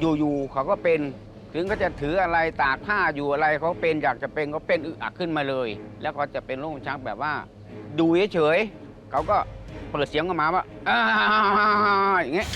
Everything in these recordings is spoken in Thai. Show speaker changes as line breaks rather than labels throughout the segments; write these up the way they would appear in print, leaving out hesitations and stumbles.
อยู่ๆเขาก็เป็นถึงเขาจะถืออะไรตากผ้าอยู่อะไรเขาเป็นอยากจะเป็นเขาเป็นอึอักขึ้นมาเลย แล้วก็จะเป็นโรคลมชักแบบว่า ดูเฉยๆเขาก็เปิดเสียงออกมาว่าอย่างเงี้ย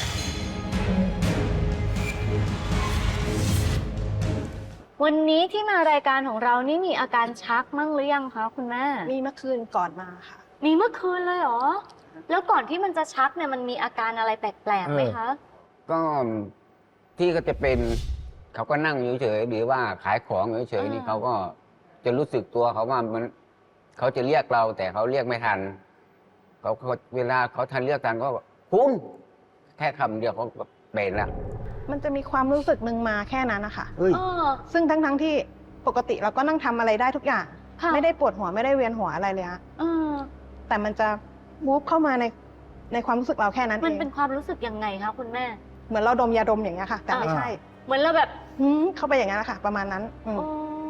วันนี้ที่มารายการของเรานี่มีอาการชักมั่งหรือยังคะคุณแม่
มีเมื่อคืนก่อนมาค่ะ
มีเมื่อคืนเลยเหรอ แล้วก่อนที่มันจะชักเนี่ยมันมีอาการอะไรแปลกๆไหมคะ
ก็ที่ก็จะเป็นเขาก็นั่งอยู่เฉยหรือว่าขายของเฉยนี่เขาก็จะรู้สึกตัวเขาว่ามันเขาจะเรียกเราแต่เขาเรียกไม่ทันเขาเวลาเขาทันเรียกทันก็คุณแค่คำเดียวเขาก็เป็นแล้ว
มันจะมีความรู้สึกหนึ่งมาแค่นั้นนะคะ
เฮ้ย
ซึ่งทั้งที่ปกติเราก็นั่งทำอะไรได้ทุกอย่าง
ค่ะ
ไม่ได้ปวดหัวไม่ได้เวียนหัวอะไรเลยฮะ
เออ
แต่มันจะวูบเข้ามาในความรู้สึกเราแค่นั้น
มัน
เอง
เป็นความรู้สึกยังไงคะคุณแม่
เหมือนเราดมยาดมอย่างเงี้ยค่ะ แต่ไม่ใช่
เหมือนเราแบบ
เข้าไปอย่างนั้นนะคะประมาณนั้น
โอ้
ไม่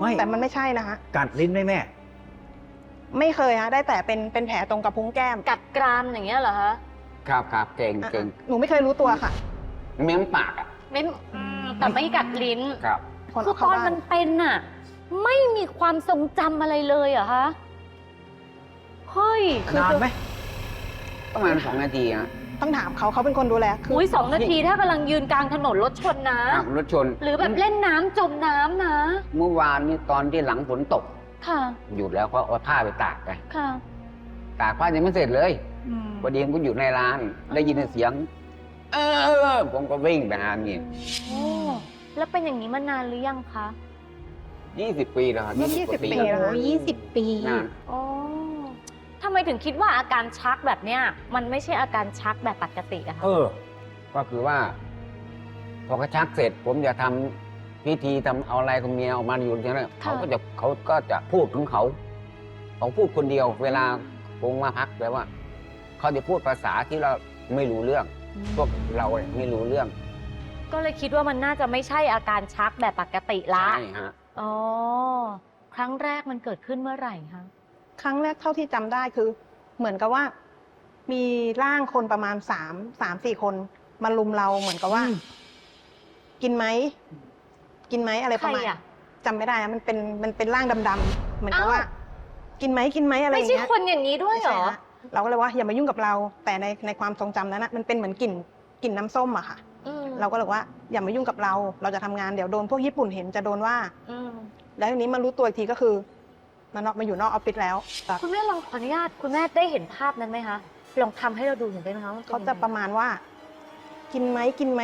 แต่มันไม่ใช่นะคะ
กัดลิ้นไหมแม่
ไม่เคยฮะได้แต่เป็นแผลตรงกระพุ้งแก้ม
กัดกรามอย่างเงี้ยเหรอคะ
ครับเก่ง
หนูไม่เคยรู้ตัวค่ะ
เม้มปากอ่ะ
ไม่แต่ไม่กัดลิ้น
ครับ
คน
คือ
เอาเข้า
ตอน
บ้า
มัน นเป็นน่ะ ไม่มีความทรงจำอะไรเลยเหรอคะเฮ้ย
นานไหม
ประมาณ2 นาทีฮะ
ต้องถามเขาเป็นคนดูแลคือ
อุ้ย2 นาทีถ้ากำลังยืนกลางถนนรถชนนะ
ขับรถชน
หรือแบบเล่นน้ำจมน้ำนะ
เมื่อวานนี้ตอนที่หลังฝนตก
ค่ะ
หยุดแล้วก็เอาผ้าไปตากไป
ค่ะ
ตากผ้ายังไม่เสร็จเลยพอดีผมก็อยู่ในร้าน ได้ยินเสียง ผมก็วิ่งไปหานี่
โอ้แล้วเป็นอย่างนี้มานานหรือยังคะ
20 ปีแล้วครับ
เมื่อ
กว่า
20 ปีแล้วค่ะ
20 ปี
นาน
โอ้ทำไมถึงคิดว่าอาการชักแบบเนี้ยมันไม่ใช่อาการชักแบบปกติอะคะ
ก็คือว่า พอกระชักเสร็จ ผมจะทำพิธีทำเอาอะไรของเมียออกมาอยู่ที่นั่นเขาก็จะพูดของเขาพูดคนเดียว เวลาผมมาพักแปลว่า เขาจะพูดภาษาที่เราไม่รู้เรื่อง พวกเราเนี่ยไม่รู้เรื่อง
ก็เลยคิดว่ามันน่าจะไม่ใช่อาการชักแบบปกติละ
ใช่ฮะ
อ๋อ ครั้งแรกมันเกิดขึ้นเมื่อไหร่คะ
ครั้งแรกเท่าที่จำได้คือ เหมือนกับว่า มีร่างคนประมาณ3-4 คนมาลุมเราเหมือนกับว่า กินไหมอะไรประมาณ
ใครอะ
จำไม่ได้อะมันเป็นร่างดำๆเหมือนกับว่า กินไหมอะไรอ
ไม่
ย่าง
ใช่
เงี้ย
คนอย่างนี้ด้วยเหรอ
ไม่ใช่ฮะเราก็เลยว่าอย่ามายุ่งกับเรา แต่ในความทรงจำนั้นนะมันเป็นเหมือนกลิ่นน้ำส้มอะค่ะ
อืม
เราก็เลยว่าอย่ามายุ่งกับเรา เราจะทำงานเดี๋ยวโดนพวกญี่ปุ่นเห็นจะโดนว่า
อืม
แล้วทีนี้มารู้ตัวอีกทีก็คือมาอยู่นอกออฟฟิศแล้ว
คุณแม่ลองขออนุญาตคุณแม่ได้เห็นภาพนั้นไหมคะ ลองทำให้เราดูหน่อยได้ไหมคะว่
เขาจะประมาณว่า กินไหม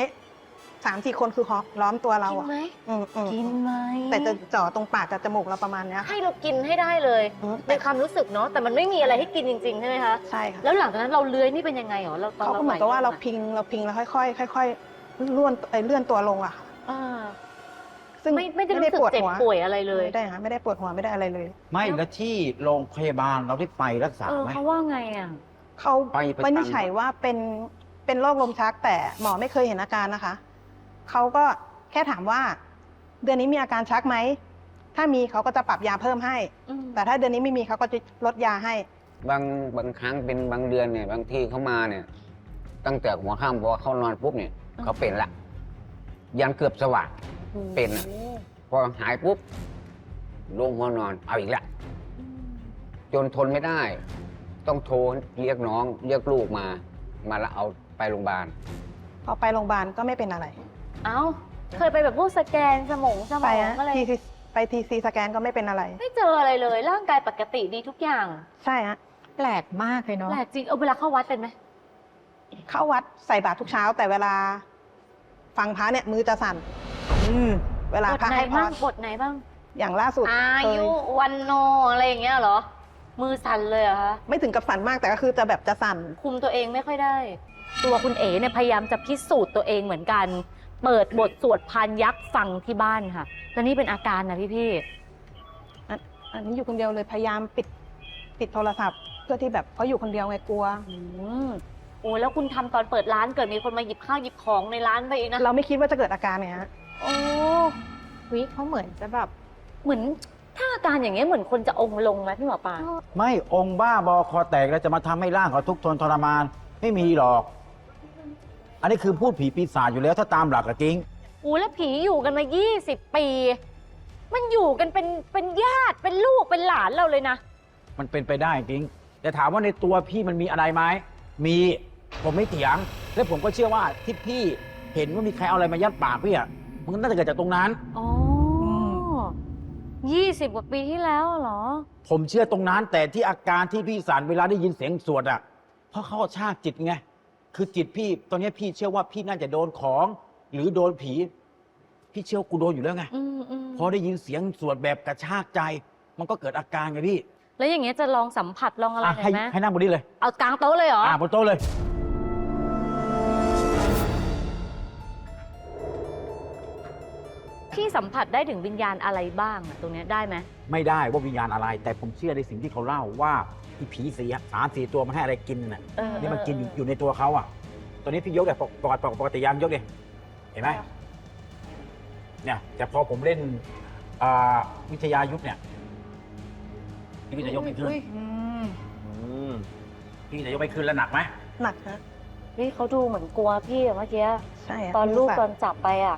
3-4 คนคือล้อมตัวเรา
กิน
อะ
ไหม
กิ
กินไหม
แต่จะจ่อตรงปากกับจมูกเราประมาณเนี้ยค่ะ
ให้เรากินให้ได้เลย เป็นความรู้สึกเนาะแต่มันไม่มีอะไรให้กินจริงๆใช่ไหมคะ
ใช่ค่ะ
แล้วหลังจากนั้นเราเลื้อยนี่เป็นยังไงหรอเราตอน
เขาก็เหมือนกับว่าเราพิงแล้วค่อยๆเลื่อนตัวลงอะค่ะ
อ่า
ซึ่ง
ไม่ได้รู้สึกเจ็บป่วยอะไรเลย
ไม่ได้ค่ะไม่ได้ปวดหัวไม่ได้อะไรเลย
ไม่แล้วที่โรงพยาบาลเราได้ไปรักษาไหม
เขาว่าไงอ่ะ
เขา
ไปประจำ
วินิจฉัยว่าเป็นโรคลมชักแต่หมอไม่เคยเห็นอาการนะคะเขาก็แค่ถามว่า เดือนนี้มีอาการชักไหมถ้ามีเขาก็จะปรับยาเพิ่มให้
อืม
แต่ถ้าเดือนนี้ไม่มีเขาก็จะลดยาให้
บางครั้งเป็นบางเดือนเนี่ยบางทีเขามาเนี่ย ตั้งแต่หัวค่ำพอเขานอนปุ๊บเนี่ยเขาเป็นละยันเกือบสว่างเป็นอะพอหายปุ๊บลงหัวนอนเอาอีกละจนทนไม่ได้ ต้องโทรเรียกน้องเรียกลูกมาแล้วเอาไปโรงพยาบาล
พอไปโรงพยาบาลก็ไม่เป็นอะไร
เอ้าเคยไปแบบพวกสแกนสมอง
ไปฮะ
อะไร
ไปทีซีสแกนก็ไม่เป็นอะไร
ไม่เจออะไรเลย ร่างกายปกติดีทุกอย่าง
ใช่ฮะ
แปลกมากเลยเนาะ
แปลกจริงเวลาเข้าวัดเป็นไหม
เข้าวัดใส่บาตรทุกเช้า แต่เวลาฟังพระเนี่ยมือจะสั่นเวลา
บท
พระ
ไหน
ให้พ
บ้าง
ร
บทไหนบ้าง
อย่างล่าสุด
อา
เคย
ยุวันโนอะไรอย่างเงี้ยเหรอ มือสั่นเลยเหรอคะ
ไม่ถึงกับสั่นมากแต่ก็คือจะแบบจะสั่น
คุมตัวเองไม่ค่อยได้ ตัวคุณเอ๋เนี่ยพยายามจะพิสูจน์ตัวเองเหมือนกัน เปิดบทสวดพานยักษ์ฟังที่บ้านค่ะ แล้วนี่เป็นอาการนะพี่
อันนี้อยู่คนเดียวเลยพยายามปิดโทรศัพท์ เพื่อที่แบบเขาอยู่คนเดียวไงกลัว
โอ้แล้วคุณทำตอนเปิดร้านเกิดมีคนมาหยิบข้าวหยิบของในร้านไปอีกนะ
เราไม่คิดว่าจะเกิดอาการเนี่ยฮะ
โอ้
วิเขาเหมือนจะแบบ
เหมือนถ้าอาการอย่างเงี้ยเหมือนคนจะองค์ลงไหมพี่หมอปลา
ไม่องค์บ้าบอคอแตกแล้วจะมาทำให้ร่างเขาทุกข์ทนทรมาน ไม่มีหรอก อันนี้คือพูดผีปีศาจอยู่แล้วถ้าตามหลักอะจริง
อู้แล้วผีอยู่กันมา20 ปี มันอยู่กันเป็นญาติเป็นลูกเป็นหลานเราเลยนะ
มันเป็นไปได้จริง แต่ถามว่าในตัวพี่มันมีอะไรไหมมีผมไม่เถียง และผมก็เชื่อว่าที่พี่เห็นว่ามีใครเอาอะไรมายัดปากพี่อ่ะมันน่าจะเกิดจากตรงนั้น
อ๋อ20 กว่าปีที่แล้วเหรอ
ผมเชื่อตรงนั้น แต่ที่อาการที่พี่สันเวลาได้ยินเสียงสวดอ่ะเพราะเขาชากจิตไงคือจิตพี่ตอนนี้พี่เชื่อว่าพี่น่าจะโดนของหรือโดนผี พี่เชื่อว่ากูโดนอยู่แล้วไง พอได้ยินเสียงสวดแบบกระชากใจ มันก็เกิดอาการไงพี่
แล้วอย่างเงี้ยจะลองสัมผัสลองอะไรหน่อยไหม
ให้นั่งบนนี้เลย
เอากลางโต๊ะเลยเหรอ
บนโต๊ะเลย
พี่สัมผัสได้ถึงวิญญาณอะไรบ้างอะตรงเนี้ยได้ไหม
ไม่ได้ว่าวิญญาณอะไร แต่ผมเชื่อในสิ่งที่เขาเล่าว่าที่ผี3-4 ตัวมันให้อะไรกินน่ะ นี่มันกินอยู่ในตัวเขาอ่ะ ตอนนี้พี่ยกแบบปกติยามยกดิเห็นไหมเนี่ยแต่พอผมเล่นวิทยายุทธเนี่ยพี่วิทยายกไม่ขึ้นพี่วิทยายกไม่ขึ้นแล้วหนักไหม
หนักนะ
นี่เขาดูเหมือนกลัวพี่อะเมื่อกี้
ใช่ะ
ตอนลูก
มื
ตอนจับไปอะ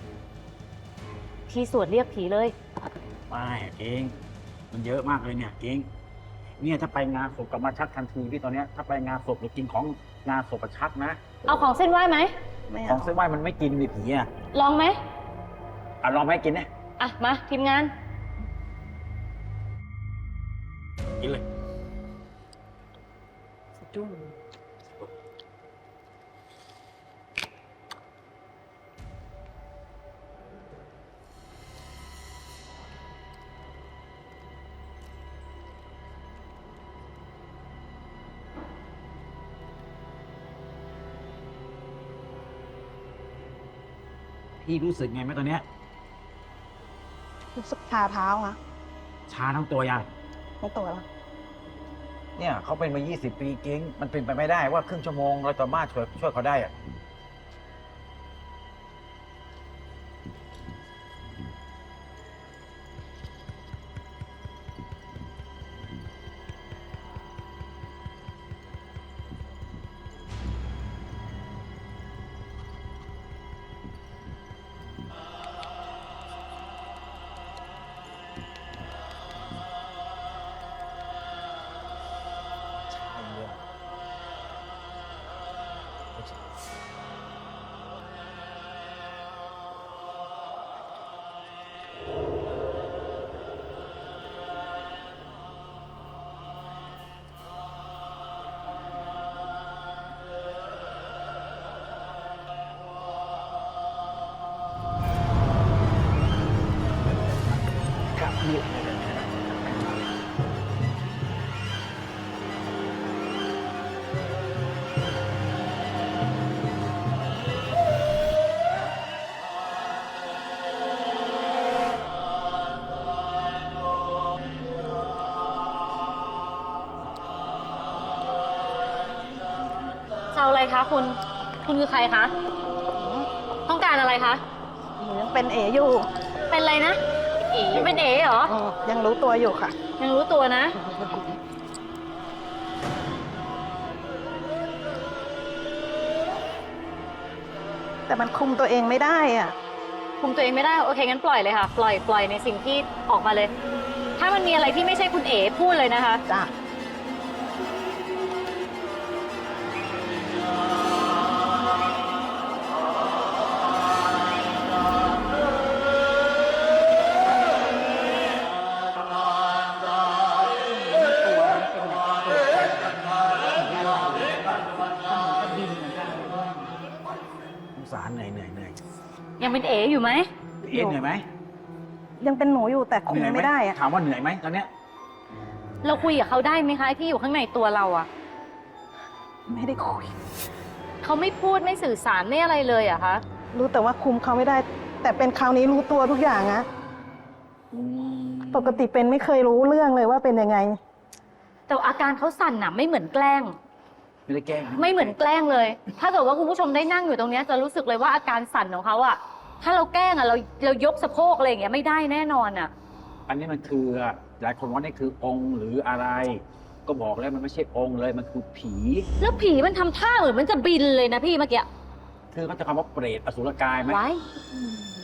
พี่สวดเรียกผีเลย
ไม่เองมันเยอะมากเลยเนี่ยเองเนี่ยถ้าไปงานศพกลับมาชักทันทีพี่ตอนเนี้ยถ้าไปงานศพหรือกินของงานศพชักนะ
เอาของเส้นไหว้ไหม
ไม่
ขอ
เอา
งเส้นไหว้มันไม่กินนี่ผีอ่ะ
ลองไหม
ลองไหมกินเนี่ย
อ่ะมาทีมงาน
กินเลย พี่รู้สึกไงไหมตอนเนี้ย
รู้สึกชาเท้าค่ะ
ชาทั้งตัวยัง
ไม่ตัวแล้ว
เนี่ยเขาเป็นมา 20 ปีเก้งมันเป็นไปไม่ได้ว่าครึ่งชั่วโมงเราสามารถช่วยเขาได้อะ
จะเอาอะไรคะคุณคือใครคะ ต้องการอะไรคะ
หนูยังเป็นเออยู่
เป็นอะไรนะเป็นเอ๋เหรอ
ยังรู้ตัวอยู่ค่ะ
ยังรู้ตัวนะ
แต่มันคุมตัวเองไม่ได้อ่ะ
คุมตัวเองไม่ได้ โอเคงั้นปล่อยเลยค่ะ ปล่อยในสิ่งที่ออกมาเลย ถ้ามันมีอะไรที่ไม่ใช่คุณเอ๋พูดเลยนะคะ
จ้ะ
สงสารเหนื่อย
ยังเป็นเอ๋อยู่ไหม
เอ็นเหนื่อยไหม
ยังเป็นหนูอยู่แต่คุม
เหนื่อยห
ไม่ได้อ่ะ
ถามว่าเหนื่อยไหมตอนเนี้ย
เราคุยกับเขาได้ไหมคะไอ้ที่อยู่ข้างในตัวเราอะ
ไม่ได้คุย
เขาไม่พูดไม่สื่อสารไม่อะไรเลยอะคะ
รู้แต่ว่าคุมเขาไม่ได้ แต่เป็นคราวนี้รู้ตัวทุกอย่างนะปกติเป็นไม่เคยรู้เรื่องเลยว่าเป็นยังไง
แต่อาการเขาสั่นอะไม่เหมือนแกล้ง
ไม่ได้แกล้ง
ไม่เหมือนแกล้งเลย ถ้าเกิดว่าคุณผู้ชมได้นั่งอยู่ตรงเนี้ยจะรู้สึกเลยว่าอาการสั่นของเขาอะถ้าเราแกล้งอะเรายกสะโพกอะไรอย่างเงี้ยไม่ได้แน่นอนอะ
อันนี้มันคือหลายคนว่านี่คือองค์หรืออะไร ก็บอกแล้วมันไม่ใช่องค์เลยมันคือผี
แล้วผีมันทำท่าเหมือนมันจะบินเลยนะพี่เมื่อกี้
ถคือเขาจะคำว่าเปรตอสุรกายไหม
ไว้